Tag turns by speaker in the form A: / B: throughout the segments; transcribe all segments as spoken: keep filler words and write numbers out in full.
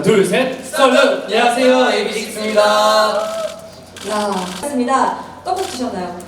A: 둘, 셋, 썰루! 안녕하세요, 에이비식스입니다.
B: 야, 반갑습니다. 떡국 드셨나요?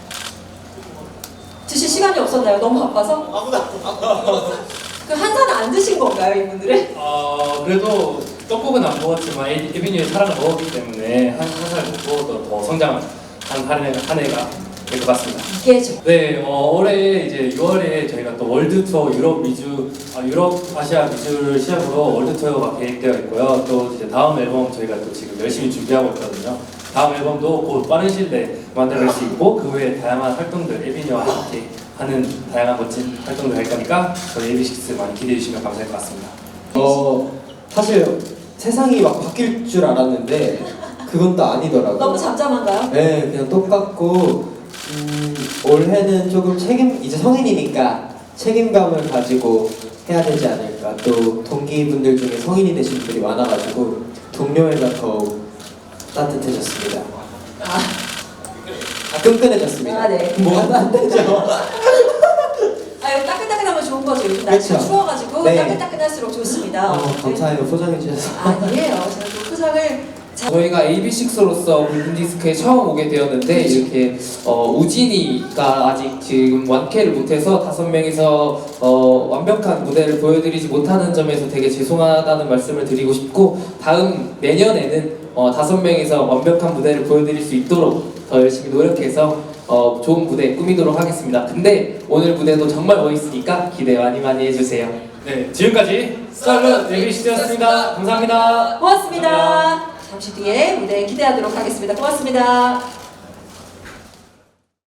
B: 드실 시간이 없었나요? 너무 바빠서?
C: 아무나
B: 그 한 잔 안 드신 건가요, 이분들은?
A: 어, 그래도 떡국은 안 먹었지만 에비뉴의 사랑을 먹었기 때문에 한 살 먹고 또 더 성장한 한 해가, 한 해가 될 것 같습니다.
B: 이게 저
A: 네, 어, 올해 이제 유월에 저희가 또 월드 투어 유럽 미주, 아, 유럽 아시아 미주를 시작으로 월드 투어가 계획되어 있고요. 또 이제 다음 앨범 저희가 또 지금 열심히 준비하고 있거든요. 다음 앨범도 곧 빠른 시일 내에 만들어낼 수 있고 그 외에 다양한 활동들 에비뉴와 함께 하는 다양한 멋진 활동들 할 거니까 저희 에이비식스 많이 기대해 주시면 감사할 것 같습니다.
C: 어 사실 세상이 막 바뀔 줄 알았는데 그건 또 아니더라고요.
B: 너무 잠잠한가요?
C: 네, 그냥 똑같고 음, 올해는 조금 책임 이제 성인이니까 책임감을 가지고 해야 되지 않을까. 또 동기분들 중에 성인이 되신 분들이 많아가지고 동료애가 더욱 따뜻해졌습니다.
B: 아,
C: 아, 끈끈해졌습니다.
B: 아, 네.
C: 뭐가 안 되죠?
B: 아, 이거 따끈따끈하면 좋은 거죠. 요즘 날씨가
C: 그쵸?
B: 추워가지고
C: 네.
B: 따끈따끈할수록 좋습니다.
C: 어, 감사해요. 포장해 주셔서.
B: 아니에요. 제가 또 포장을 잘
D: 저희가 에이비식스로서 골든디스크에 처음 오게 되었는데 이렇게 어, 우진이가 아직 지금 완쾌를 못해서 다섯 명이서 어, 완벽한 무대를 보여드리지 못하는 점에서 되게 죄송하다는 말씀을 드리고 싶고 다음 내년에는 어, 다섯 명이서 완벽한 무대를 보여드릴 수 있도록 더 열심히 노력해서 어, 좋은 무대 꾸미도록 하겠습니다. 근데 오늘 무대도 정말 멋있으니까 기대 많이 많이 해주세요.
A: 네, 지금까지 썰루 에이비식스였습니다. 감사합니다.
B: 고맙습니다.
A: 감사합니다.
B: 잠시 뒤에 무대 기대하도록 하겠습니다. 고맙습니다.